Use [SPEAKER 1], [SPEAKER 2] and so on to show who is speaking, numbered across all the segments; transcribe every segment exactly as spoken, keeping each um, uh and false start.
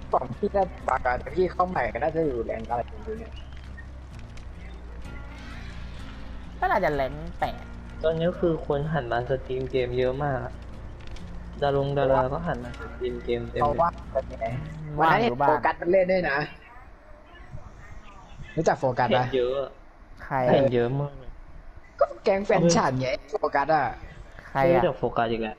[SPEAKER 1] ของพี่น่าปากกาแต่พี่เข้าใหม่ก็น่าจะอยู่แรงอะไรอยู่เนี่ย
[SPEAKER 2] ก็น่าจะแรงแปด
[SPEAKER 3] ตอนนี้คือคนหันมาสตรีมเกมเยอะมากอะดารงดาราก็หันมาสตรีมเกมเต็ม
[SPEAKER 1] เพราะ
[SPEAKER 3] เลย
[SPEAKER 1] ว่าเป็นไงวัน
[SPEAKER 2] ว่าง
[SPEAKER 1] นั้น
[SPEAKER 2] อ
[SPEAKER 1] เห็น
[SPEAKER 2] ยู่บ้า
[SPEAKER 1] โฟ
[SPEAKER 2] น
[SPEAKER 1] กัสมันเล่นด้วยนะรู้จักโฟกัส
[SPEAKER 3] เห็
[SPEAKER 1] ปะ
[SPEAKER 3] นเยอะอะ
[SPEAKER 2] ใคร
[SPEAKER 3] เห็น
[SPEAKER 2] อะ
[SPEAKER 3] เยอะมากเลย
[SPEAKER 1] ก็แก๊งแฟนฉันไงโฟกัสอ่ะ
[SPEAKER 2] ใคร
[SPEAKER 3] ไม่รู้
[SPEAKER 2] อะ
[SPEAKER 3] จักโฟกัสอีกแล้ว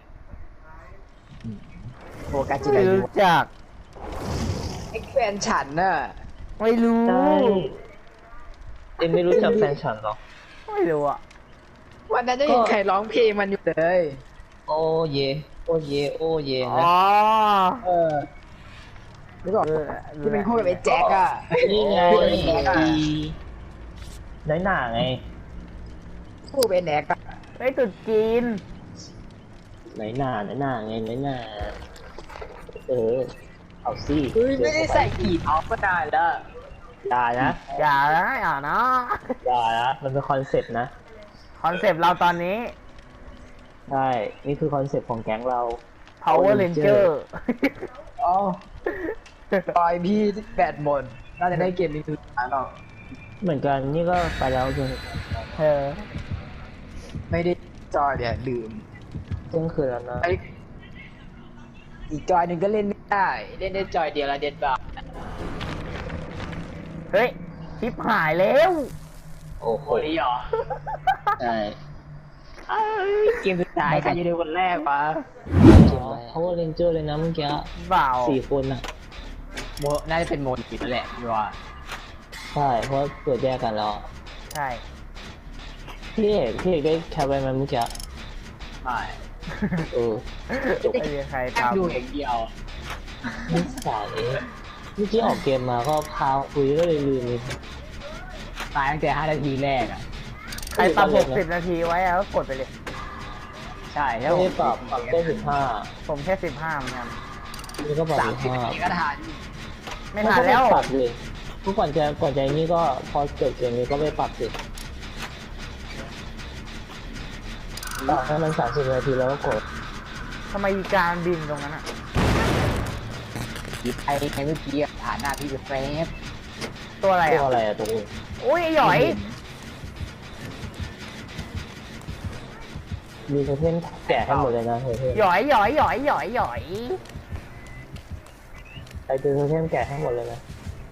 [SPEAKER 1] โฟกัสจิ
[SPEAKER 2] ไม่
[SPEAKER 1] รายุ
[SPEAKER 2] รู้จัก
[SPEAKER 1] ไอ้แฟนฉันน่ะ
[SPEAKER 2] ไม่รู้
[SPEAKER 3] ใช่เอ็มไม่รู้จักแฟนฉันหรอ
[SPEAKER 2] ไม่รู้อะ
[SPEAKER 1] วันนั้นจะเห็น
[SPEAKER 3] ก็
[SPEAKER 1] ใครร้องเพลงมันอยู่เลย
[SPEAKER 3] โอเยโอเยโอเย
[SPEAKER 2] อ๋
[SPEAKER 3] นะ
[SPEAKER 2] อ
[SPEAKER 1] เออนึกออก
[SPEAKER 2] เออ
[SPEAKER 1] ที่เป็นคู่กับไอ้แจ็คอ่ะ
[SPEAKER 3] นี่ไง
[SPEAKER 1] คู่กับไอ้แน็กอะ
[SPEAKER 3] น้อยหน่าไง
[SPEAKER 1] คู่กับไอ้แน็กอะ
[SPEAKER 2] ไอ้ยตรุ๊จีน
[SPEAKER 3] น้อยหน่าน้อยหน่าไงน้อยหน่าเออเอาสิ
[SPEAKER 1] เฮ้ยไม่ได้ใส่กีบออฟก็นานแล้ว
[SPEAKER 3] อย่านะ
[SPEAKER 2] อย่านะอย่านะ
[SPEAKER 3] อย่านะมันเป็นคอนเซ็ปต์นะ
[SPEAKER 2] คอนเซปต์เราตอนนี้
[SPEAKER 3] ใช่นี่คือคอนเซ็ปต์ของแก๊งเรา
[SPEAKER 2] power ranger
[SPEAKER 1] อ๋อปล่อยพี่แบตหมดน่าจะได้เกมนี้คือหาหรอก
[SPEAKER 3] เหมือนกันนี่ก็ไปแล้วจน
[SPEAKER 2] เออ
[SPEAKER 1] ไม่ได้จอยเนี่ยลืม
[SPEAKER 3] เที่ยงคืนแล้วนะ
[SPEAKER 1] ไออีกจอยหนึ่งก็เล่นไม่ได้ เล่นได้จอยเดียวละเด็ดบาท
[SPEAKER 2] เฮ้ยชิปหายแล้ว
[SPEAKER 3] โอ้โห
[SPEAKER 1] โอ้ยหรอ
[SPEAKER 3] ใช่
[SPEAKER 1] เอ้ยเกมสุดท้ายใครจะได้คนแรกวะ
[SPEAKER 3] เพราะว่าเรนเจอร์เลยนะเมื่อกี้
[SPEAKER 2] เปล่า
[SPEAKER 3] สี่คนอ่ะ
[SPEAKER 1] โมน่าจะเป็นโมนินั่นแหละพี่ว่า
[SPEAKER 3] ใช่เพราะเกิดแยกกันแล้วอะ
[SPEAKER 2] ใช่
[SPEAKER 3] พี่เอกพี่เอกได้แคปไว้ไหมเมื่อกี้
[SPEAKER 1] ไม่
[SPEAKER 3] เออ
[SPEAKER 2] ไม่มีใคร
[SPEAKER 1] แค่
[SPEAKER 2] ทำ
[SPEAKER 1] ดูอย่างเดียว
[SPEAKER 3] นิสัยเมื่อกี้ออกเกมมาก็พาคุยก็เลยลืมเลย
[SPEAKER 1] ตายตั้งแต่ห้านาทีแรกอ่ะ
[SPEAKER 2] ใครปรับหกสิบนาทีไว้อะก็กดไปเลย
[SPEAKER 1] ใช่แล้
[SPEAKER 3] ไม่
[SPEAKER 1] ว
[SPEAKER 3] ได้ปรับปรับแค่สิบห้า
[SPEAKER 2] ผมแค่สิบห้าเหมือนกัน
[SPEAKER 3] นี่ก็ปรับ
[SPEAKER 1] สาม
[SPEAKER 3] สิบ
[SPEAKER 1] สิบ
[SPEAKER 3] ห้า
[SPEAKER 1] นาทีก็ทัน
[SPEAKER 2] ไม่ทันแล้ว
[SPEAKER 3] ปรับเลยทุกก่อนจะก่อนจะนี่ก็พอเกิดเกมนี้ก็ไปปรับสิปรับให้มันสามสิบนาทีแล้วก็กด
[SPEAKER 2] ทำไมอีการบินตรงนั้นอะ
[SPEAKER 1] ยิบไอ้ไอ้เมื่อกี้อะผ่านหน้าพี่จะแฟบ
[SPEAKER 2] ตัวอะไร
[SPEAKER 3] ตัว
[SPEAKER 2] อะ
[SPEAKER 3] อะไรอะตัวอื่น
[SPEAKER 2] อุ้ยไอ้หยอย
[SPEAKER 3] มีโทเทมแกะให้หมดเลยนะโทเทม
[SPEAKER 2] หยอยหยอยหยอยหยอยหยอย
[SPEAKER 3] ใครเจอโทเทมแกะให้หมดเลยนะ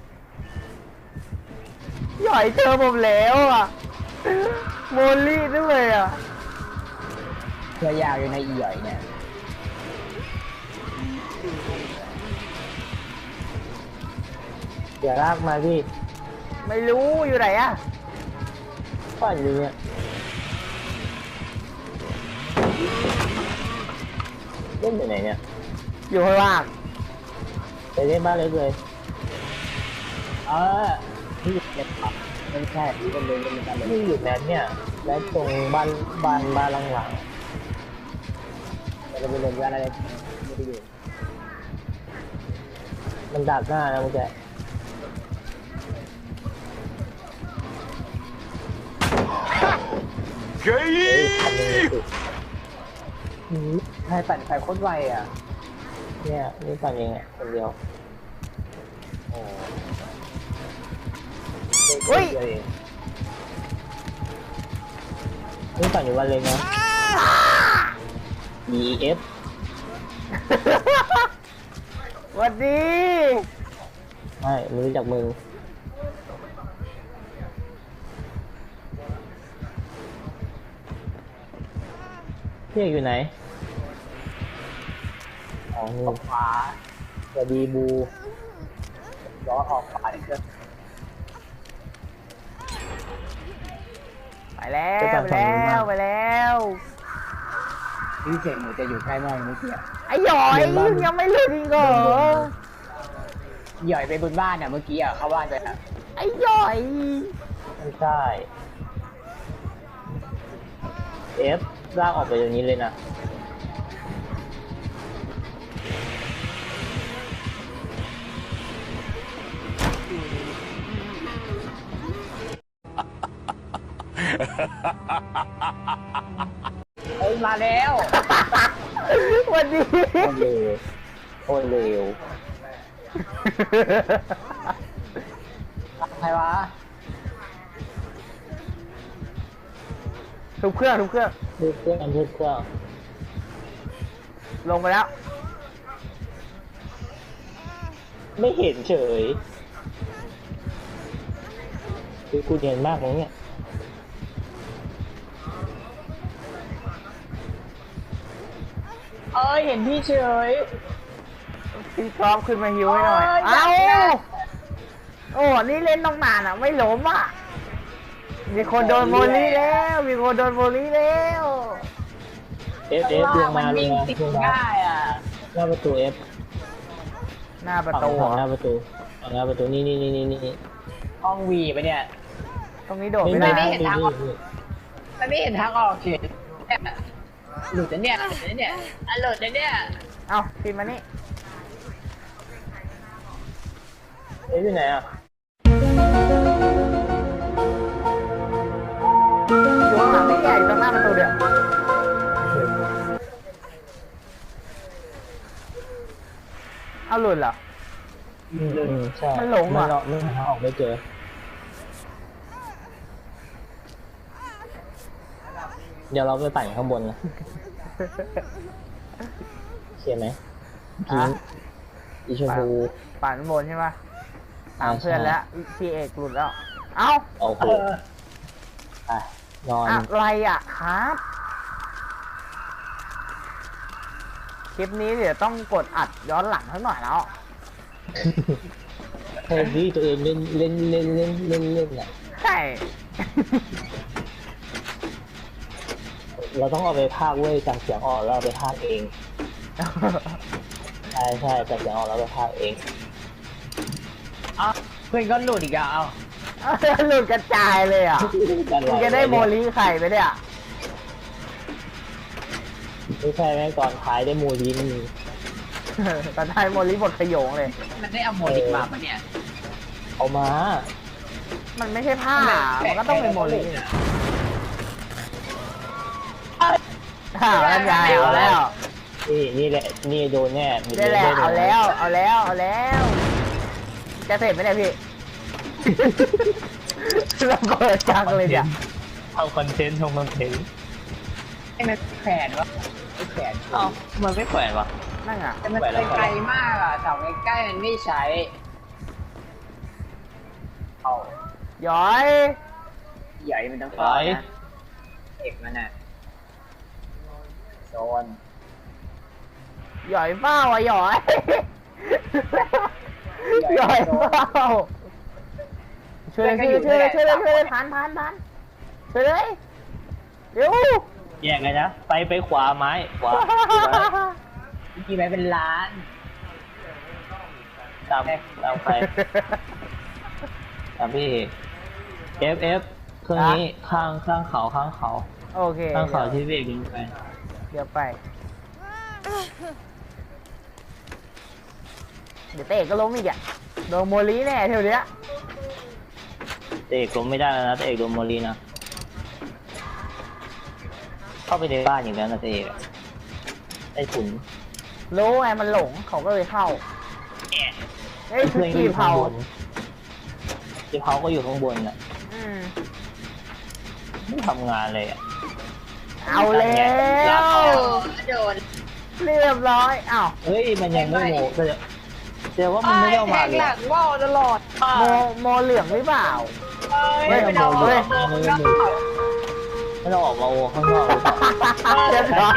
[SPEAKER 2] หยอยเจอผมแล้วอะโมลี่ด้วยอะ
[SPEAKER 1] เพื่อยาวอยู่ในอีหย่อยเนี่ย
[SPEAKER 3] อย่าลากมาพี่
[SPEAKER 2] ไม่รู้อยู่ไหนอะ
[SPEAKER 3] ปั่นอยู่เนี่ยเล่นอยู่ไหนเนี่ย
[SPEAKER 2] อยู่ข้างล่าง
[SPEAKER 3] ไปเล่นบ้านเล็กเลย
[SPEAKER 1] เออพี่เก็บปับไม่ใช่พี่เป็นเลยเป็นเลยกันเลย
[SPEAKER 3] นี่อยู่แมทเนี่ยแมทตรงบ้านบ้านบ้านหลัง
[SPEAKER 1] แต่เราไปเรียนว่าอะไรไม่ได้อยู่
[SPEAKER 3] ๆมันดักหน้านะมึงแก
[SPEAKER 1] เฮ้ย
[SPEAKER 3] เฮ้ยทำยังไงสิ
[SPEAKER 1] ใครปั่นไฟโคตรไวอ่ะ
[SPEAKER 3] เนี่ยนี่ปั่นเองอ่ะคนเดียวโอ้
[SPEAKER 2] เฮ้ย
[SPEAKER 3] เดียวเองนี่ปั่นอยู่วันเลยนะ E F
[SPEAKER 2] สวัสดี
[SPEAKER 3] ไม่ไม่รู้จักมึงพี่เอกอยู่ไหนอ๋อนี่
[SPEAKER 1] ออกขวา
[SPEAKER 3] สวัสดีบู
[SPEAKER 1] ล้อออกขวาอีกแล้ว
[SPEAKER 2] ไปแล้วไปแล้วไปแล้ว
[SPEAKER 1] พี่เสียงหนูจะอยู่ใกล้มากเมื่อกี้
[SPEAKER 2] ไอ้หยอยยังไม่หลุดอีกเหรอ
[SPEAKER 1] หย่อยไปบนบ้านอ่ะเมื่อกี้อ่ะเข้าบ้านไปอ่ะ
[SPEAKER 2] ไอ้หยอย
[SPEAKER 3] ไม่ใช่ F ลากออกไปอย่างนี้เลยนะ
[SPEAKER 1] เอ้ยมาแล้ว
[SPEAKER 2] สวัสดี
[SPEAKER 3] โคตรเร็วโคตรเร็ว
[SPEAKER 1] ใครวะ
[SPEAKER 2] ทุบเครื่องทุบเครื่อง
[SPEAKER 3] ทุกเครื่องทุกเครื่อง
[SPEAKER 2] ลงไปแล้ว
[SPEAKER 3] ไม่เห็นเฉยคือกูเนียนมากเลยเนี่ย
[SPEAKER 1] เอ้ยเห็นพี่เฉย
[SPEAKER 2] พี่พร้อมขึ้นมาฮิวให้หน่อย
[SPEAKER 1] เอ้
[SPEAKER 2] เอ้าย
[SPEAKER 1] อยาก
[SPEAKER 2] โอ้ นี่เล่นต้องนานอ่ะ ไม่ล้มอ่ะ มีคนโดนโมลี่แล้ว มีคนโดนโมลี่แล้ว
[SPEAKER 3] เอฟเอฟลงมาลง
[SPEAKER 1] วิ่ง
[SPEAKER 3] มา
[SPEAKER 1] ติด
[SPEAKER 3] ลงมา
[SPEAKER 1] ได้อ่ะ
[SPEAKER 3] หน้าประตูเอฟ
[SPEAKER 2] หน้าประ
[SPEAKER 3] ฝั่ง
[SPEAKER 2] ตู
[SPEAKER 3] ฝั่งหน้าประตูฝั่งหน้าประตูนี่นี่นี่นี่นี่
[SPEAKER 1] ห้องวีไปเนี่ย
[SPEAKER 2] ตรงนี้โดด
[SPEAKER 3] ไม่
[SPEAKER 2] ไม่
[SPEAKER 3] ไม่
[SPEAKER 2] ได้
[SPEAKER 1] เห็นทางออก มันไม่เห็นทางออกเฉยเนี่ยหลุดนะเนี่ยหลุดนะเนี่ยอ่ะหลุดนะเนี่ย
[SPEAKER 2] เอ้าพิมพ์มานี่
[SPEAKER 3] เอ๊ะอยู่ไหนอ่ะ
[SPEAKER 2] อยู่ข้างหลังนี่แกอยู่ตรงหน้าประตูเดี๋ยวเอาหลุดเหรอ
[SPEAKER 3] อืมอืมใช่
[SPEAKER 2] มันหลง
[SPEAKER 3] มั
[SPEAKER 2] ว่ะ
[SPEAKER 3] นเราไม่หาออกไม่เจอ เดี๋ยวเราไปปั่นข้างบนนะเขียนไหมพิงอีชมพู
[SPEAKER 2] ปั่นบนใช่ปะตาม
[SPEAKER 3] อ่า
[SPEAKER 2] เพื่อน
[SPEAKER 3] ใช่
[SPEAKER 2] แล้วพี่เอกหลุดแล้ว เอ้า
[SPEAKER 3] โอ้โหไปนอน
[SPEAKER 2] อะไรอ่ะครับ คลิปนี้เดี๋ยวต้องกดอัดย้อนหลังสักหน่อยแล้ว
[SPEAKER 3] เทนที่ตัวเองเล่นเล่นเล่นเล่นเล่นเล่นอ่ะ
[SPEAKER 2] ใช่
[SPEAKER 3] เราต้องเอาไปพากย์เว้ยจากเสียงออกแล้วเอาไปพากย์เอง ใช่ใช่จากเสียงออกแล้วไปพากย์เอง
[SPEAKER 1] เอ้าเพื่อนก็หลุดอีกอ่ะเอ้า
[SPEAKER 2] หลุดกระจายเลยอ่ะมึงจะได้โมลีไข่ไปเนี่ย
[SPEAKER 3] ไม่ใช่แม่ก่อนท้ายได้มูลิน
[SPEAKER 2] ตอนท้ายโมลีบทขโยงเลย
[SPEAKER 1] มันได้เอาโมดิกมาปะเนี่ย
[SPEAKER 3] เอามา
[SPEAKER 2] มันไม่ใช่ผ้า มันก็ต้องเป็นโมลีอ้าวนั่นไงเอาแล้ว
[SPEAKER 3] นี่นี่แหละนี่โดนแน่
[SPEAKER 2] ได้แล้วเอาแล้ว เอาแล้ว เอาแล้ว จะเสร็จไหมเนี่ยพี่ ระเบิดจังเลยเนี่ย
[SPEAKER 3] ทำคอนเทนต์ทำคอนเทนต์
[SPEAKER 1] ไอ้มันแขวนวะไอ้แขวน
[SPEAKER 3] เอ้ามันไม่แขวนวะ
[SPEAKER 2] นั่งอ่ะ
[SPEAKER 1] แต่มันไปไกลมากอ่ะเสาใกล้ๆมันไม่ใช้เอา
[SPEAKER 2] ย้อย
[SPEAKER 1] ใหญ่มันต้องต่อนะเอกมันอ่ะโซน
[SPEAKER 2] หย่อยเป้าอ่ะหย่อย หย่อยเป้าช่วยเลยช่วยเลยช่วยเลยช่วยเลยช่วยเลยทันทันทันช่วยเลยเร็ว
[SPEAKER 3] แยกเลยนะ ไปไปขวาไม้ขวา
[SPEAKER 1] กี่ใบเป็นล้าน
[SPEAKER 3] ตามตามใครตามพี่เอฟเอฟเครื่องนี้ข้างข้างเขาข้างเขา
[SPEAKER 2] โอเค
[SPEAKER 3] ข้างเขาที่เบรกยิงไป
[SPEAKER 2] เดี๋ยวไป เดี๋ยวเตะก็ล้มอีกอ่ะโดนโมลีแน่เท่านี้
[SPEAKER 3] เตะล้มไม่ได้แล้วนะเตะโดนโมลีนะเข้าไปในบ้านอย่างนั้นนะเตะไอ้ขุน
[SPEAKER 2] รู้ไงมันหลงเขาก็เลยเข้าเฮ้ยคือ
[SPEAKER 3] เพื่อนก็อ
[SPEAKER 2] กี่
[SPEAKER 3] ยู่ข้าง
[SPEAKER 2] เผา
[SPEAKER 3] บนที่เขาก็อยู่ข้างบนน่ะ
[SPEAKER 2] อืม
[SPEAKER 3] ไม่ทำงานเลยอ่ะ
[SPEAKER 2] เอาแล้ว
[SPEAKER 1] โดน
[SPEAKER 2] เรียบร้อยอ้าว
[SPEAKER 3] เฮ้ยมันยังไม่โมแต่แต่ว่ามันไม่ได้เอามาเลย
[SPEAKER 1] หลังว่าวตลอด
[SPEAKER 2] โมโมเหลืองหรือเปล่า
[SPEAKER 1] เฮ้ย
[SPEAKER 3] ไม่
[SPEAKER 1] ไม่
[SPEAKER 3] เอา
[SPEAKER 1] เอา
[SPEAKER 3] โม
[SPEAKER 1] เล
[SPEAKER 3] เลย ยไม่เอาโมไม่ต้องออกมาโอข้างนอกหรือเปล่า
[SPEAKER 2] เรียบร้อย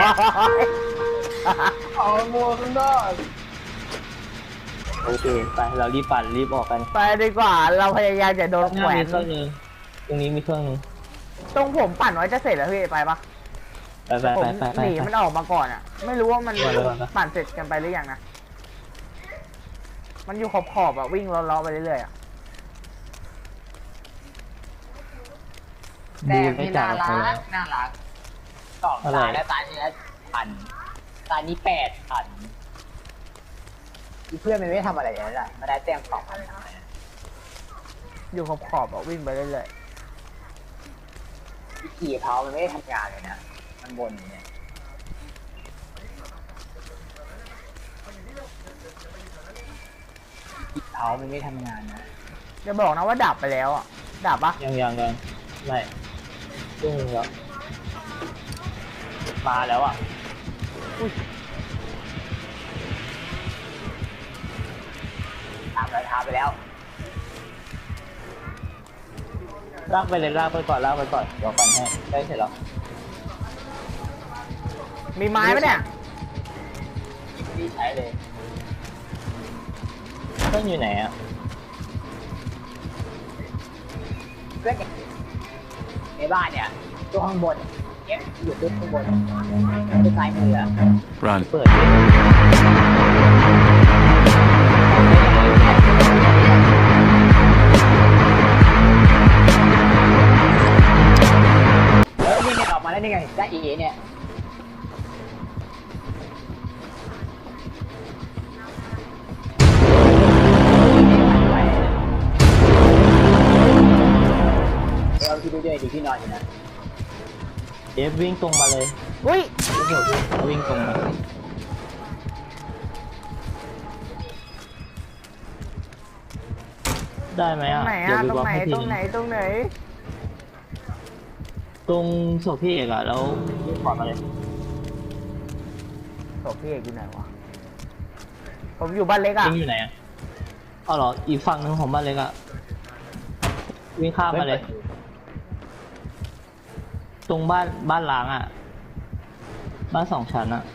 [SPEAKER 1] เอาโมข้างนอก
[SPEAKER 3] โอเคไปเรารีบปั่นรีบออกกัน
[SPEAKER 2] ไปดีกว่าเราพยายามจะโดน
[SPEAKER 3] ข้างห
[SPEAKER 2] แข
[SPEAKER 3] น้า
[SPEAKER 2] วน
[SPEAKER 3] มีเครื่องนึงตรงนี้มีเครื่องนึง
[SPEAKER 2] ตรงผมปั่นไว้จะเสร็จแล้วพี่ไปปะ
[SPEAKER 3] ไปไป
[SPEAKER 2] ผม
[SPEAKER 3] ไปไปไป
[SPEAKER 2] หนีมันออกมาก่อนอ่ะ ไม่รู้ว่ามัน
[SPEAKER 3] ไปไปไป
[SPEAKER 2] ปั่นเสร็จกันไปหรือยังนะมันอยู่ขอบขอบๆอ่ะวิ่งล้อๆไปเรื่อยๆอ่ะ
[SPEAKER 1] แต่
[SPEAKER 3] ดู
[SPEAKER 1] ไม่
[SPEAKER 3] ไม่จ่า
[SPEAKER 1] น่าย
[SPEAKER 3] ไป
[SPEAKER 1] รั
[SPEAKER 3] แล้
[SPEAKER 1] ก
[SPEAKER 3] ว
[SPEAKER 1] น่ารักสอง
[SPEAKER 3] อะไร
[SPEAKER 1] ตาแล้วตานี้แล้วพันตานี้แปดพันเพื่อนมันไม่ทำอะไรอย่างนั้นแหละมาได้แต้มสองพัน
[SPEAKER 2] อยู่ขอบขอบๆอ่ะวิ่งไปเรื่อย
[SPEAKER 1] ขี่เท้ามันไม่ได้ทำงานเลยนะมันบนอย่างเนี่ยเขามันไม่ทำงานนะ
[SPEAKER 2] จะบอกนะว่าดับไปแล้วอ่ะ ดับปะ
[SPEAKER 3] ยังยังยังไม่ตึ้งแล้วมาแล้วอ่ะ
[SPEAKER 1] ตามรอยเท้าไปแล้ว
[SPEAKER 3] ลากไปเลยลากไปก่อนลากไปก่อนเดี๋ยวก่อนให้ได้เสร็จแล้ว
[SPEAKER 2] มีไม้ปะเนี่ย
[SPEAKER 1] ดีใช้เลย
[SPEAKER 3] เพื่อนอยู่ไหนอ่ะ
[SPEAKER 1] เพื่อนในบ้านเนี่ยตัวข้างบนเนี่ยอยู่ตัวข้างบนตัวซ้ายมืออะ
[SPEAKER 4] Run.
[SPEAKER 3] เปิดดิ
[SPEAKER 1] แล้วนี่เนี่ยออกมาแล้วนี่ไงได้เอเนี่ยเราที่ดูด้วยดีที่นอนอยู่นะ
[SPEAKER 3] เอฟวิ่งตรงมาเลย
[SPEAKER 2] อุ้ย
[SPEAKER 3] วิ่งตรงมาได้ไหม
[SPEAKER 2] ตรง
[SPEAKER 3] อ่ะ
[SPEAKER 2] ไหน
[SPEAKER 3] เดี๋ยว
[SPEAKER 2] อ่ะ
[SPEAKER 3] ไป
[SPEAKER 2] ตรง
[SPEAKER 3] บล็อก
[SPEAKER 2] ไหน
[SPEAKER 3] ให้ที
[SPEAKER 2] ตรงไหน
[SPEAKER 3] นึง
[SPEAKER 2] ตรงไหน
[SPEAKER 3] ตรงศพพี่เอกอ่ะแล้ววิ่งขวามาเลย
[SPEAKER 2] ศพพี่เอกอยู่ไหนวะ ผมอยู่บ้านเล็กอ่ะ
[SPEAKER 3] วิ่งอยู่ไหนอ่ะอ๋อเหรออีกฝั่งหนึงของบ้านเล็กอ่ะวิ่งข้ามมาเลย ตรงบ้านบ้านล้างอ่ะ บ้านสองชั้นอ่ะ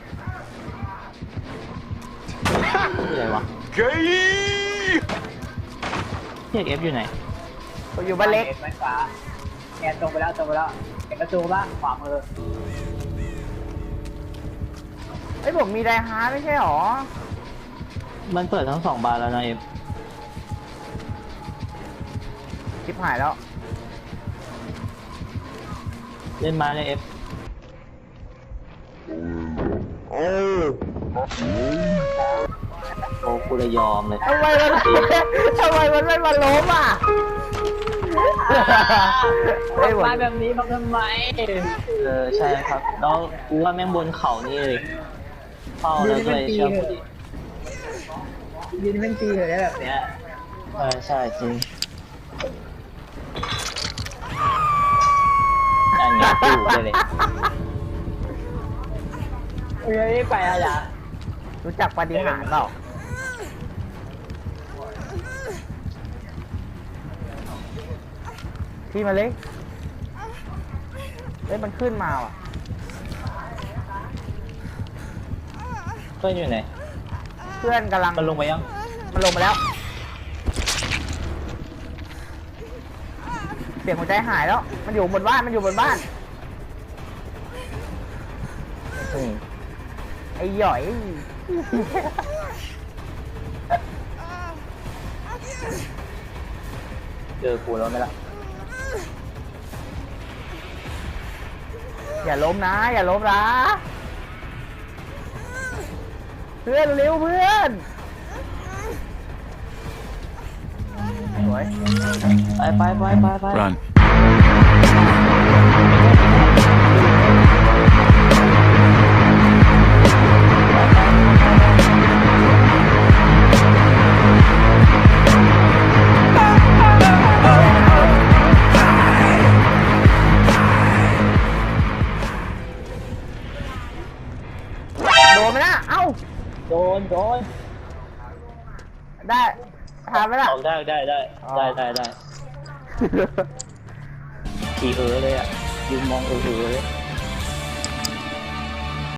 [SPEAKER 3] ที่ไหนวะพี่เอกเอฟอยู่ไหน
[SPEAKER 2] ผมอยู่บ้านเล็ก
[SPEAKER 1] บ้านฟ้าแกตรงไปแล้วตรงไปแล้วเห็นประตูบ้างขวามือ
[SPEAKER 2] เฮ้ยผมมีไดฮาร์ดไม่ใช่หรอ
[SPEAKER 3] มันเปิดทั้งสองบานแล้วนะเอฟ
[SPEAKER 2] ชิบหายแล้ว
[SPEAKER 3] เล่นมาเลยเอฟโอ้กูเลยยอมเลย
[SPEAKER 2] ทำไมมัน ทำไมมันไม่มาล้มอ่ะ เฮ้ยผม
[SPEAKER 1] มาแบบนี้มาทำไม
[SPEAKER 3] เออใช่ครับ แล้วกูว่าแม่งบนเขานี่เลยเฝ้าแล้วด้วยเชื่อกูดิ
[SPEAKER 1] ยืนเป็นปีเลยนะแบบเนี้ย
[SPEAKER 3] เออใช่จริงอันนี้กูได้เลย
[SPEAKER 1] เฮ้ยไปอะไรอ่ะ
[SPEAKER 2] รู้จักปาฏิหาริย์เปล่า พี่มาเลยเฮ้ยมันขึ้นมาว่ะ
[SPEAKER 3] เพื่อนอยู่ไหน
[SPEAKER 2] เพื่อนกำลัง
[SPEAKER 3] มันลงไปยัง
[SPEAKER 2] มันลงมาแล้ว เสียงหัวใจหายแล้ว มันอยู่บนบ้าน มันอยู่บนบ้าน
[SPEAKER 3] อืม
[SPEAKER 2] ไอ้หย่อย
[SPEAKER 3] เจอกูแล้วไหมล่ะ
[SPEAKER 2] อย่าล้มนะ อย่าล้มนะ เพื่อนเร็วเพื่อนสวย
[SPEAKER 3] ไปไปไปไปไป
[SPEAKER 4] Run.
[SPEAKER 2] โดนไหมนะ เอ้า
[SPEAKER 3] โดนโดน
[SPEAKER 2] ได้ทำไหมล่ะ
[SPEAKER 3] ออกได้ได้ได้
[SPEAKER 2] อ๋อ
[SPEAKER 3] ได้ได้ได้ขี่เออเลยอ่ะยืนมองเออเออเลย